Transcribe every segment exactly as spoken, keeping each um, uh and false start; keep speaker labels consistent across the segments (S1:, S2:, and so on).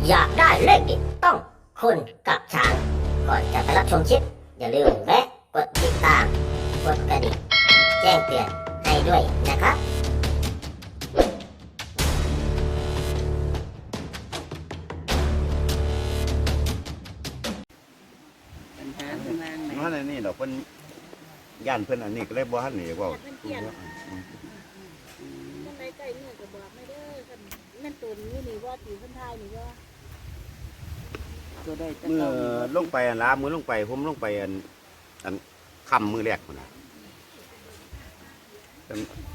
S1: อยากได้เลขเด็ดต้องคุณกับช้างก่อนจะไปรับชมคลิปอย่าลืมแวะกดติดตามกดกระดิ่งแจ้งเตือนให้ด้วยนะครับ
S2: ปัญหาเพิ่นวางไหน
S3: เพราะในนี่เราเพิ่นย่านเพิ่นอันนี้ก็เลยบ่ทันนี่เว้า
S4: มันใกล้ๆนี่ก็บอกไม่ได้คันนั่นตัวนี้นี่ว่าตีคนไทยนี่ว่า
S2: ตัวได้แต่
S3: เมื่อ
S2: เก่า
S3: ลงไปอันลามือลงไปผมลงไปอันอันค่ำมือแรกพุ่นน่ะเพิ่น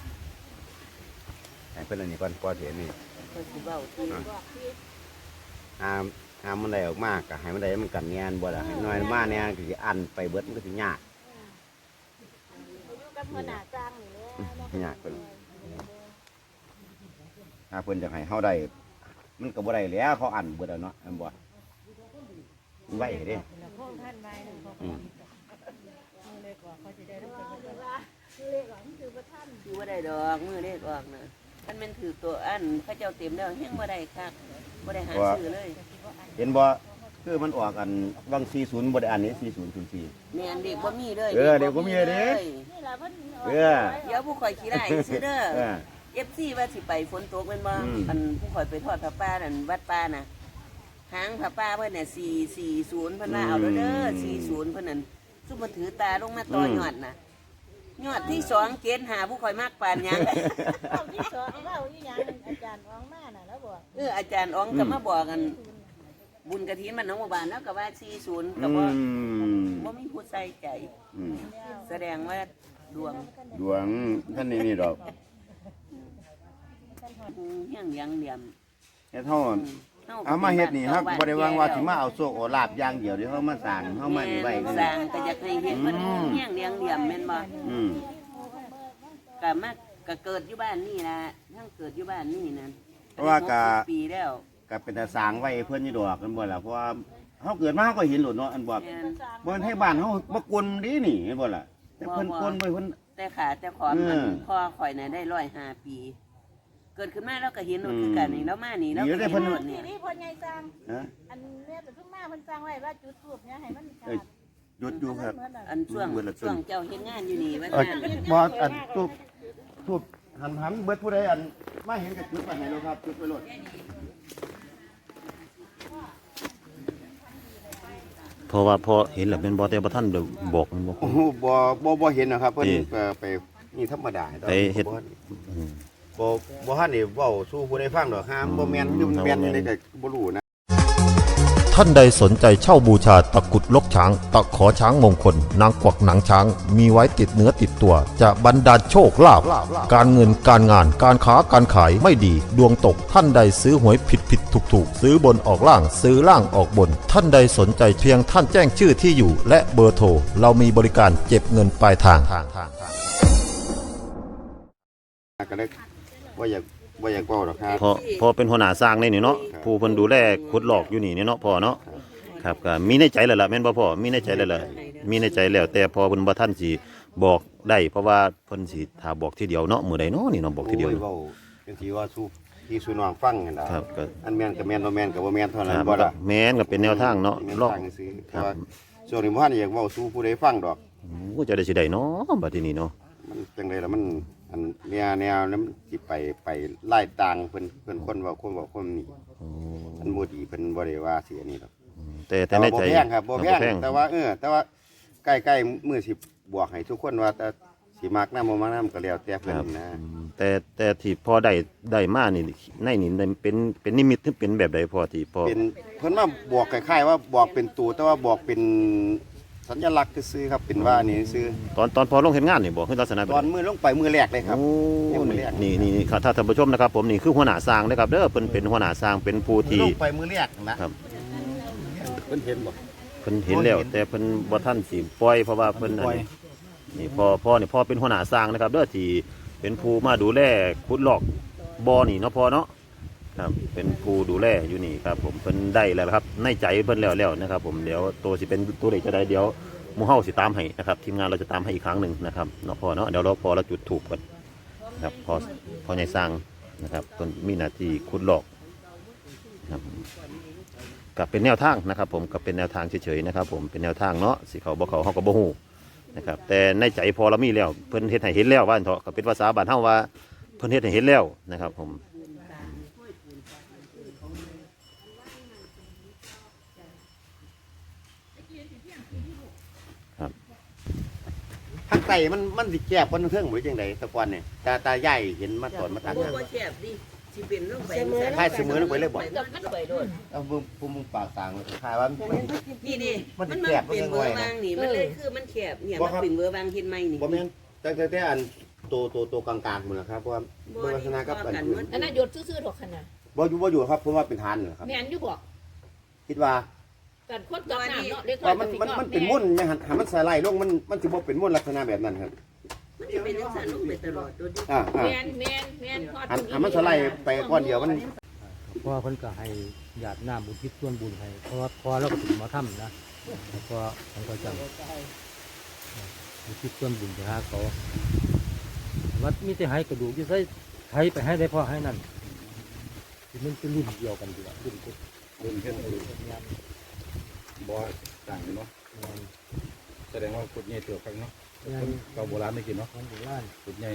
S3: ให้เพิ่นอันนี้ก่อนก่อนสิอันนี้
S2: เพิ่นสิเว้าที่
S4: บอกที่
S3: หามหามมันได้ออกมาก็ให้มันได้มันกันแงนบ่ล่ะให้น้อยมาแน่ก็สิอันไปเบิดมันก็สิยาก
S4: เขาอยู่กับหัวหน้าจ้างนี่แหละ
S3: ยากเพิ่นถ้าเพิ่นจะให้เฮาได้มันก็บ่ได้แล้วเขาอันเบิดแล้วเนาะแม่นบ่มันไว้เด้อืม
S4: เลขหลังคือประท่าน
S2: คือบ่ได้ดอกมือเลขออกน่ะคันแม่นถือตัวอันเขาเจ้าเต็มแล้วยังบ่ได้คักบ่ได้หาซื้อเลย
S3: เห็นบ่คือมันออกอันวังสี่สิบบ่ได้อันนี้สี่สิบศูนย์สี่
S2: แม่นเด็กบ่มีเลย
S3: เออเด็กบ่มีเลยเด้
S4: นี่แหละเพิ่น
S3: เออ
S2: เดี๋ยวผู้ข่อยขี้ได้ซื้อเด้อ
S3: เออ
S2: เอฟซีว่าสิไปฝนตกแม่นบ่
S3: อืม
S2: อันผู้ข่อยไปทอดผ้าป่านั่นวัดป่าน่ะหางผ้าป่าเพิ่นน่ะสี่สี่ศูนย์เพิ่นว่าเอาแล้วเด้อสี่ศูนย์เพิ่นนั่นซุมมาถือตาลงมาต่อยอดน่ะยอดที่สองเกณฑ์หาผู้ข่อยมากปานหยัง
S4: เอาที่สองเอาอีหยังอาจารย์อองมาน่ะแล้วบอก
S2: เอออาจารย์อ๋องก็มาบอกกัน บุญกระถินมันน้องหมู่บ้านแล้วก็ว่าสี่ศูนย์ก็
S3: อื
S2: บ่
S3: ม
S2: บ่มีผู้ใส่ใจ
S3: อืม
S2: แสดงว่าดวง
S3: ดวงท่านนี่นี่ดอก
S2: เฮียงยังเหลี่ยม
S3: เฮ็ดเฮาเอามาเฮ็ดนี่ครับบ่ได้วางว่าสิมาเอาโชคเอาลาบอย่างเดียวเดี๋ยวเฮามาสร้างเฮามานี่ไว้
S2: แม่
S3: กัน
S2: สร้างก็อยากให้เฮ็ดมัน
S3: อืม
S2: เฮียงเลี้ยงเหลี่ยมแม่นบ่
S3: อืม
S2: ก็มาก็เกิดอยู่บ้านนี่ล่ะทั้งเกิดอยู่บ้านนี่นั่น
S3: เพราะว่าก็
S2: หสิบปีแล้ว
S3: ก็เป็นตาสร้างไว้เพิ่นนี่ดอกกันบ่ล่ะเพราะว่าเฮาเกิดมาเฮาก็เห็นโลดเนาะอันบ่
S2: แม่น
S3: บ่ให้บ้านเฮาบ่กวนดีนี่เห็นบ่ล่ะแต่เพิ่นกวนไว้เพิ่น
S2: แต่ขาแต่ขอน
S3: เออ
S2: มันพ่อข่อยน่ะได้ร้อยห้าปี เกิดขึ้นมาแล้วก็เห็นโนดคือกันนี่แล้วมานี่แล้วก็เห็นโนด
S4: นี่
S2: เนี่ย
S4: นี่เพิ่นใหญ่สร้าง
S3: ฮะ
S4: อันเนี้ยแต่เพิ่งมาเพิ่นสร้างไว้ว่าจุดทูบเนี่ยให้มันขา
S3: เอ้ย
S4: ด
S3: หยุดอยู่ครับ
S2: อันช่วง
S3: เบิดละต้น
S2: ช่วงเจ้าเฮ็ดงานอยู่นี่ว่า
S3: เอ้ย
S2: ซั่น
S3: บ่อันทูบทูบหันหันเบิดผู้ใดอันมาเห็นกับจุดไปให้เราครับจุดไปโลด
S5: เพราะว่าพอเห็นแล้วเป็นบ่แต่บ่ทันได้บอกมันบ่
S3: โอ้โหบ่บ่บ่เห็นนะครับเพิ่น
S5: นี่
S3: เอ่อไปนี่ธรรมดา
S5: ไปเฮ็ด
S3: บ่บ่บ่ทันได้เว้าสู่ผู้ใดฟังดอกห้ามบ่แม่นหรือมันแม่นจังไดก็บ่รู้นะ
S6: ท่านใดสนใจเช่าบูชาตะกรุดลกช้าง ตะขอช้างมงคล นางกวักหนังช้าง มีไว้ติดเนื้อติดตัว จะบรรดาลโชคลาภการเงินการงานการค้าการขายไม่ดี ดวงตกท่านใดซื้อหวยผิดผิดถูกถูกซื้อบนออกล่างซื้อล่างออกบน ท่านใดสนใจเพียงท่านแจ้งชื่อที่อยู่ และเบอร์โทรเรามีบริการเก็บเงินปลายทาง
S3: ก็เลยบ่อยากบ่อยากเว้าดอกครับ
S5: พอพอเป็นหัวหน้าสร้างนี่นี่เนาะผู้เพิ่นดูแลขุดหลอกอยู่นี่นี่เนาะพ่อเนาะครับก็มีในใจแล้วล่ะแม่นบ่พ่อมีในใจแล้วล่ะมีในใจแล้วแต่พอเพิ่นบ่ทันสิบอกได้เพราะว่าเพิ่นสิถ้าบอกทีเดียวเนาะมื้อใดเนาะนี่เนาะบอกทีเดียว
S3: โอ้เว้าจังซี่ว่าสู่พี่สู่น้องฟังนั่นล่ะ
S5: ครับก็
S3: อันแม่นก็แม่นบ่แม่นก็บ่แม่นเท่า
S5: ค
S3: นั้น
S5: รับ
S3: บ่ล่ะ
S5: แม่นก็เป็นแนวทางเนาะ
S3: แม่
S5: ลอง
S3: ทางซื่อ
S5: ค
S3: แต่
S5: รับ
S3: ว่าส่วนนี้บ่ทันอยากเว้าสู่ผู้ใดฟังดอก
S5: โอ้จะได้สิได้เนาะบัดทีนี้เนาะ
S3: มันจังไดล่ะมันอันแนวแนวนั้นมันสิไปไปไล่ต่างเพิ่นเพิ่นคนเว้าคนเว้าคนนี่
S5: โอ้
S3: มันบ่ดีเพิ่นบ่ได้ว่าสิอันนี้ดอก
S5: แต่แต่
S3: แต่
S5: ใน
S3: ว่าบ่
S5: ใจ
S3: แพงครับบ่แพงแต่ว่าเออแต่ว่าใกล้ๆมื้อสิบวกให้ทุกคนว่าแต่สิมักนำบ่มักนำก็แล้วแต่เพิ่นนะ
S5: อืมแต่แต่ที่พอได้ได้มานี่ในนี่ได้เป็นเป็นนิมิตถึงเป็นแบบใดพอที่พอ
S3: เป็นเพิ่นมาบอกคล้ายๆว่าบอกเป็นตัวแต่ว่าบอกเป็นสัญลักษณ์ซื่อๆครับเป็นว่านี่ซื่อ
S5: ตอนตอนพอลงเห็นงานนี่บอกคือลักษณะแบบ
S3: ตอนมือลงไปมือแรกเลยครับ
S5: โอ้
S3: ยังไม่
S5: นี่
S3: แรก
S5: นี่นี่ครับถ้าท่านผู้ชมนะครับผมนี่คือหัวหน้าสร้างนะครับเด้อเพิ่นเป็นหัวหน้าสร้างเป็นผู้
S3: มือ
S5: ที่
S3: ลงไปมือแรกนะครับ เพิ่นเห็นบ่
S5: เพิ่นเห็นแล้ว
S3: เห็น
S5: แต่เพิ่นบ่ทันสิปล่อยเพราะว่าเพิ่นอัน
S3: ปล่อย
S5: นี้นี่พ่อพ่อนี่พ่อเป็นหัวหน้าสร้างนะครับเด้อที่เป็นผู้มาดูแลขุดลอกบ่อนี่เนาะพ่อเนาะครับเป็นผู้ดูแลอยู่นี่ครับผมเพิ่นได้แล้วครับในใจเพิ่นแล้วแล้วนะครับผมเดี๋ยวตัวสิเป็นตัวเลขจะได้เดี๋ยวหมู่เฮาสิตามให้นะครับทีมงานเราจะตามให้อีกครั้งหนึ่งนะครับเนาะพ่อเนาะเดี๋ยวเราพอเราจุดถูกกันนะครับพอพอใหญ่สร้างนะครับต้นมีหน้าที่ขุดลอกนะครับกับเป็นแนวทางนะครับผมกับเป็นแนวทางเฉยๆนะครับผมเป็นแนวทางเนาะสิเขาบ่เขาเฮาก็บ่ฮู้นะครับแต่ในใจพอเรามีแล้วเพิ่นเฮ็ดให้เห็นแล้วว่าอันเถาะก็เป็นภาษาบ้านเฮาว่าเพิ่นเฮ็ดให้เห็นแล้วนะครับผม
S3: ทางไตมันมันสิแคบกว่าทางเทิงบ่ได้จังไดแต่ก่อนเนี่ยตาตาใหญ่เห็นมาตอนมาตัด
S2: บ่
S3: ทาง
S2: บ่แคบดิสิเป็นลงไป
S3: คล้ายเสมอลงไปเลยบ่
S2: กับมันไปโดน
S3: เอาบุบุมุงปากสางคล้ายว่ามัน
S2: นี่นี่
S3: มั
S2: มัน น
S3: สิ
S2: มัน
S3: แคบ
S2: เป็น
S3: มัน
S2: เบอร์
S3: น้อยๆนะ
S2: บางนี่มันเลยคือมันแคบเนี่ย
S3: บ่
S2: มัน
S3: ครับ
S2: เป็นเบอร์บางเห็นไหมนี่
S3: บ่แม่นแต่แต่แต่อันโตโตโตกลางๆหมดนะครับเพราะว่าเบิ่งลักษณะกับอันอื่น
S4: อันนั้นหยดซื่อๆถกขนาด
S3: บ่อยู่บ่อยู่ครับผมว่าเป็นทานนะครับ
S4: แม่นอยู่บ่
S3: คิดว่า
S4: กันคนกับน้ำเนาะเล็กน้อ
S3: ว่าย มันมันมันเป็นมุ่นแม่หันหามันสไลด์ลงมันมันสิบ่เป็นมุ่นลักษณะแบบนั้นครับ
S2: มันจะเป็นลักษณะลงไปตลอดโดยที่
S3: อ่าอ่า
S4: แม่นแม่นแม่นพอ
S3: หันหามันสไลด์ไปก้อนเดียวมัน
S7: เพราะว่าเพิ่นก็ให้ญาติน้ำบุญทิศส่วนบุญให้เพราะว่าพอเราก็ถึงมาถ้ำนะแล้วก็ผมก็จังบุญทิศส่วนบุญไปหาเขาวัดมีแต่ให้กระดูกที่ใส่ไทยไปให้ได้พอให้นั่นที่มันเป็นรุ่นเดียวกันดีกว่ารุ่นกุศ
S8: รุ่นเฮ็ดให้บ่ต่างกันเนาะแสดงว่าขุดใหญ่เติบครับเนาะ
S7: งาน
S8: เก่าโบราณได้กินเนาะ
S7: งานโบราณ
S8: ขุดใหญ่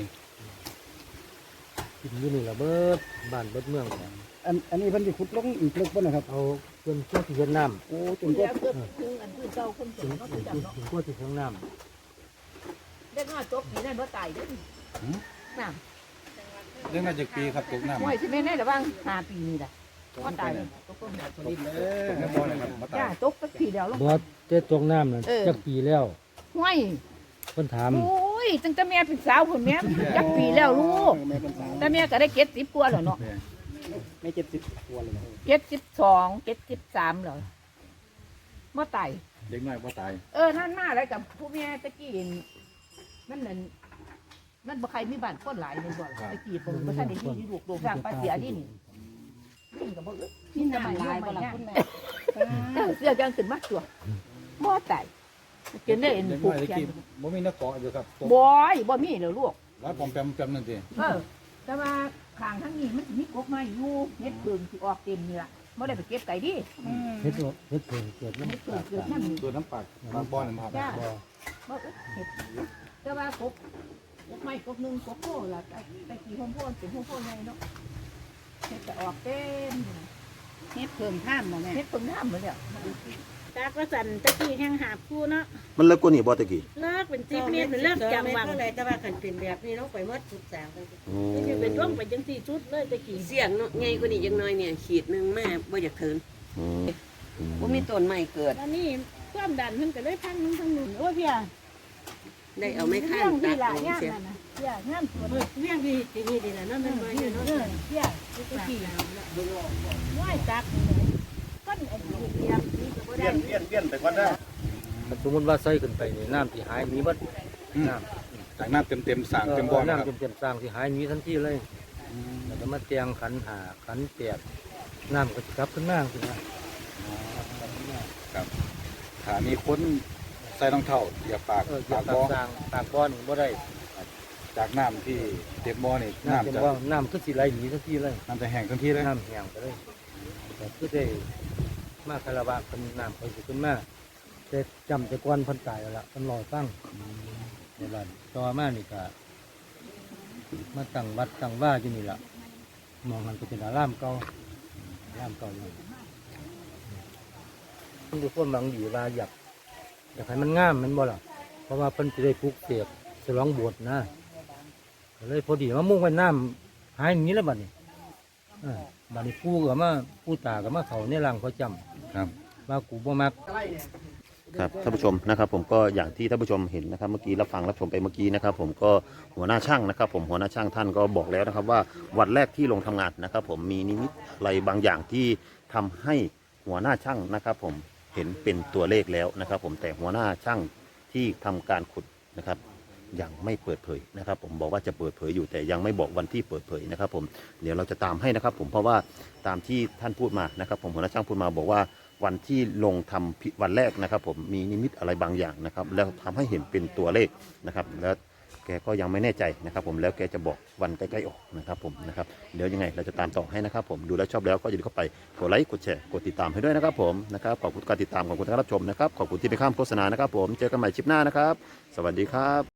S7: กินอยู่นี่ละเบิดบ้านเบิดเมืองเนี่ย
S9: อันอันนี้เพิ่นสิขุดลงอีกลึกบ่นะครับ
S7: เอาเพิ่นเพื่อที่เฮ็ดน้ำ
S9: โอ้จ
S4: ถึ
S9: น
S4: ง
S9: ก็
S4: แล้วเกิดถึงอันพื้นเก่าคน
S7: ถึ
S4: สู
S7: ง
S4: งเนาะ
S7: ถึ
S4: ถึ
S7: ง
S4: งจับเนาะ
S7: ถึงก็ที่ของน้
S4: เล็กน้อยตกปีนั้นบ่ตายเด้อน้ำ
S8: เรื่องน่าจะปีครับตกน้ำ
S4: ห้วยสิแม่นได้ระวังห้าปีนี่ล่ะบ่ตายตกต้น
S8: ตกตกในบ่อนะครับมาตา
S4: จ้าย ตกสักปีเดียวลง
S7: ำบ่แต่ตกน้ำนั่น
S4: เออ
S7: จักปีแล้ว
S4: ห้วย
S7: เพิ่นถาม
S4: โอ้ยตั้งแต่แม่เป็นสาวพุ่นแม่จักปีแล้วลูก
S9: แม่เป็นสาว
S4: แต่แม่ก็ได้เจ็ดสิบกว่าแล้วเนาะ
S9: ไม่เจ็ดสิบกว่าเลยนะ
S4: เจ็ดสิบสองเจ็ดสิบสามแล้วบ่ตาย
S8: เด็กน้อยบ่ตาย
S4: เออนั่นมาอะไรกับผู้แม่ตะกี้นี่มันนั่นมันบ่ใครมีบ้านคนหลายเลยบ่ล่ะตะกี้ผมบ่ทันได้มีลูกลูกร่างป้าเสียนี่นี่นี่ก็บ่เอ้ยนี่จะมาหลายบ่ล่ะคุณแม่เออเสียจังขึ้นมาตัวบ่ตายเกินได้เอ็น
S8: เด็ก
S4: ผู
S8: น้
S4: ก
S8: อยได้
S4: แขน
S8: กินบ่มีนักเกาะอยู่ครับตก
S4: บ่อยบ่มีแล้วลูก
S8: ร้อยปอมแปมแปมนั่นสิ
S4: เออแต่ว่าข้างทั้งนี้มันสิมีกกไม้อยู่เฮ็ดเบิ่งสิออกเต็มนี่ล่ะบ่ได้ไปเก็บไก่ดิ
S7: เฮ็ดบ่เฮ็ดเพิ่งเกิดน้ำ
S4: เฮ็ดเกิดเกิดนำ
S8: ตัวน้ำปากบางบ่อนั่นครับ
S4: จ้า
S7: บ่
S4: บ่เอ้ยเฮ็ดแต่ว่ากกกกไม้กกหนึงกกโพล่ะแต่แต่กี่โฮมโพนเป็นโฮมโพนใหญ่เนาะเฮ็ดจะออกเต็ม
S10: เฮ็ดเพิ่มท่ามบ่แม่
S4: เฮ็ดเพิ่งน้ำหมดแล้ว
S10: จากว่าสันตะกี้แห้งหาบคู่เนาะ
S5: มันเลิกกว่านี้บ่ตะกี้
S10: เลิกเป็นสิบเมตรเป็นเลิกจังหวัง
S2: เลยแต่ว่าคันเป็นแบบนี้ต้องไปหมดทุกสาวเลย
S5: อืม
S10: ไม่ใช่เป็นร่องไปจังสี่ชุดเลยตะกี้
S2: เสียงเนาะใหญ่กว่านี้จังน้อยเนี่ยขีดหนึงแม่บ่อยากถึง
S5: อืม
S2: บ่มีต้นไม้เกิด
S10: แล้วนี่ความดันเพิ่นก็เลยพังนึงทั้งนู้นโอ้ยเพี่ย
S2: ได้เอาไม้ข้า
S10: เรื่อง
S2: ตั
S10: ที่
S2: ด
S10: ละ
S2: ลง
S10: งาม
S2: เสีย
S10: นั่นน่ะเพี่ยงามสวยเรื่องที่ที่นี่ดีน่ะเนาะแม่นบ่อยู่เนาะเพี่ยตะกี้น้อยตักก้นไอ้นี่เตรียมนี่ก็บ่
S3: เปลี่
S10: ได้
S3: ยนเปลี่ยนเปลี่ยนไปก่อนเด้อ
S7: ถ้าสมมุติว่าใส่ขึ้นไปนี่น้ำที่หายหนีเบิดน้ำ
S8: จากน้ำเต็มๆสร้างเต็มบ่อนะค
S7: น้ำ
S8: รับ
S7: เต็มๆสร้างที่หายหนีทันทีเลยแล้วก็มาเตียงขันหาขันแปดน้ำก็จะกลับขึ้นมาขึ้นมา
S8: ครับถ้ามีคนใส่รองเท้าเหยียบปาก
S7: เอออย่า
S8: ปาก
S7: ปาก
S8: บ่อ
S7: สร้างปากก้อนบ่ได้
S8: จากน้ำที่เต็มบ่อนี่
S7: น้ำเต็ม
S8: น้ำจะ
S7: ว่าน้ำก็สิไหลหนีทันทีเลย
S8: น้ำจะแห้งทันทีเลย
S7: น้ำแห้งไปเลยแต่คือได้มาคาราวะเป็นน้ำไปสิขึ้นมาแต่จำแต่ก้อนเพันตายแล้วล่ะเพันลอยตั้งในบ้านต่อมานี่ก็มาตั้งวัดตั้งว่าอยู่นี่ล่ะมองมันก็เป็นอารามเก่าอารามเก่าอยู่มันดูคนบางดีว่าอยากอยากให้มันงามแมันบ่ล่ะเพราะว่าเพิ่นจะได้ปลูกเสกฉลองโบวชนะก็เลยพอดีมามุ่งไว้น้ำหายอย่างนี้แล้วบัดนี้เออบัดนี้ปู่ก็มาปู่ตาก็มาเขาในร่างเขาจำ
S8: ครับ
S7: ว่ากูบ่มัก
S5: ครับท่านผู้ชมนะครับผมก็อย่างที่ท่านผู้ชมเห็นนะครับเมื่อกี้รับฟังรับชมไปเมื่อกี้นะครับผมก็หัวหน้าช่างนะครับผมหัวหน้าช่างท่านก็บอกแล้วนะครับว่าวันแรกที่ลงทำงานนะครับผมมีนิมิตอะไรบางอย่างที่ทำให้หัวหน้าช่างนะครับผมเห็นเป็นตัวเลขแล้วนะครับผมแต่หัวหน้าช่างที่ทำการขุดนะครับยังไม่เปิดเผยนะครับผมบอกว่าจะเปิดเผยอยู่แต่ยังไม่บอกวันที่เปิดเผยนะครับผมเดี๋ยวเราจะตามให้นะครับผมเพราะว่าตามที่ท่านพูดมานะครับผมหัวหน้าช่างพูดมาบอกว่าวันที่ลงทำวันแรกนะครับผมมีนิมิตอะไรบางอย่างนะครับแล้วทำให้เห็นเป็นตัวเลขนะครับแล้วแกก็ยังไม่แน่ใจนะครับผมแล้วแกจะบอกวันใกล้ๆออกนะครับผมนะครับเดี๋ยวยังไงเราจะตามต่อให้นะครับผมดูแล้วชอบแล้วก็อย่าลืมเข้าไปกดไลค์กดแชร์กดติดตามให้ด้วยนะครับผมนะครับขอบคุณการติดตามขอบคุณการรับชมนะครับขอบคุณที่ไปข้ามโฆษณานะครับผมเจอกันใหม่คลิปหน้านะครับสวัสดีครับ